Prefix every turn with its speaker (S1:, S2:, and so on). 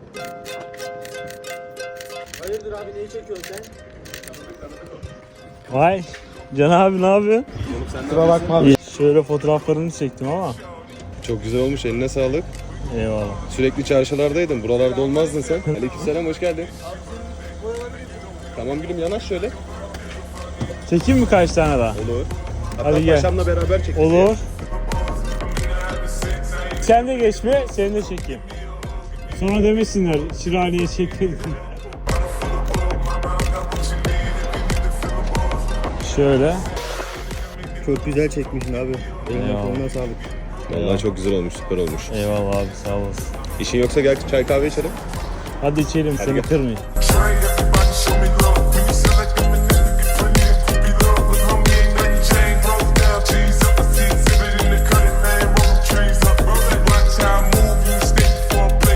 S1: Hayırdır abi, neyi çekiyorsun sen?
S2: Vay Can abi, ne yapıyorsun?
S3: Kusura bakma abi.
S2: İyi. Şöyle fotoğraflarını çektim ama.
S4: Çok güzel olmuş, eline sağlık.
S2: Eyvallah.
S4: Sürekli çarşılardaydın, buralarda olmazdın sen. Aleykümselam, hoş geldin. Tamam gülüm, yanaş şöyle.
S2: Çekeyim mi kaç tane daha?
S4: Olur. Hatta
S2: Hadi gel.
S4: paşamla beraber çekeceğiz.
S2: Olur. Sen de geçme, seni de çekeyim. Sonra demesinler, Şiraniye çekmedin.
S3: Şöyle. Çok güzel çekmişsin abi. Eline
S2: Eyvallah.
S3: koluna sağlık.
S4: Vallahi çok güzel olmuş, süper olmuş.
S2: Eyvallah abi, sağ olasın.
S4: İşin yoksa gel çay kahve içelim.
S2: Hadi içelim, seni
S4: gel.
S2: kırmayayım.
S5: Train